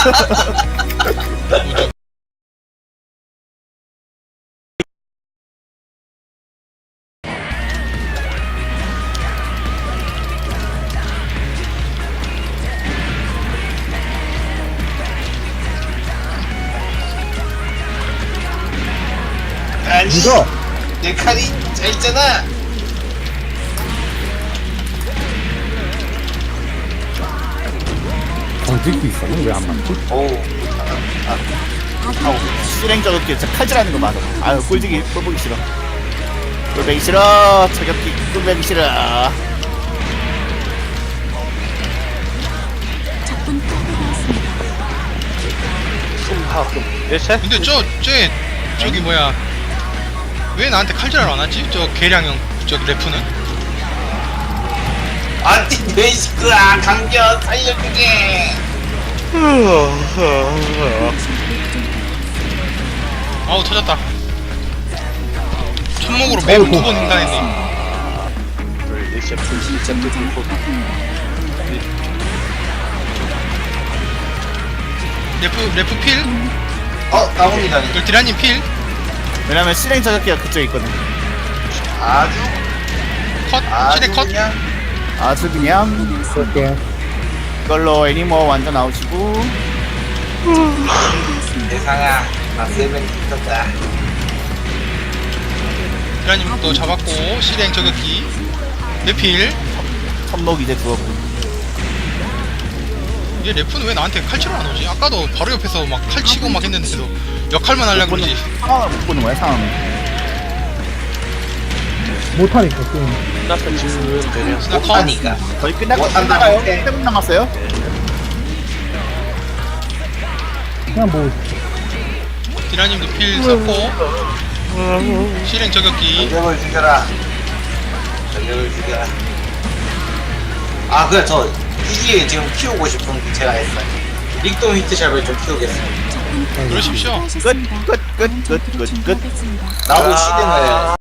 아니 이거 내 칼이 짧잖아. 던질수 있어는 왜 안 맞지? 오우 아우 실행 저격기 진짜 칼질하는 거 맞아. 아유 꿀지기 꿀보기 싫어. 꿀배기 싫어. 저격기 꿀배기 싫어. 근데 저기 뭐야 왜 나한테 칼질하러 안 왔지? 저 계량형 저 래프는? 안티 베이시크야 강변 살려주게. 아우 터졌다. 천목으로 매우 어이구. 2번 횡단했네. 래프 필? 나옵니다. 그 디라님 필? 왜냐면 실행 저격기가 그쪽에 있거든. 아주 컷? 시대 컷? 그냥 아주 그냥 그럴게. 이걸로 애니머 완전 아웃이고. 세상아 나 세븐 있었다. 디라님 또 잡았고 실행 저격기 내필. 천목 이제 죽었고. 얘 래프는 왜 나한테 칼치러 안 오지? 아까도 바로 옆에서 막 칼치고 막 했는데도 역할만 하려고 그러지. 상황을 못 보는 거야 상황을. 못하니까 게임. 스나 컷. 못하니까. 거의 끝나가요. 못한다고. 7분 남았어요. 그냥 뭐 디라님도 필 썼고 실행 저격기. 전력을 죽여라. 전력을 죽여라. 아 그래 저 이기에 지금 키우고 싶은 제가 했어요. 릭돔 히트샵을 좀 키우겠습니다. 그러십시오. 끝. 나도 시등을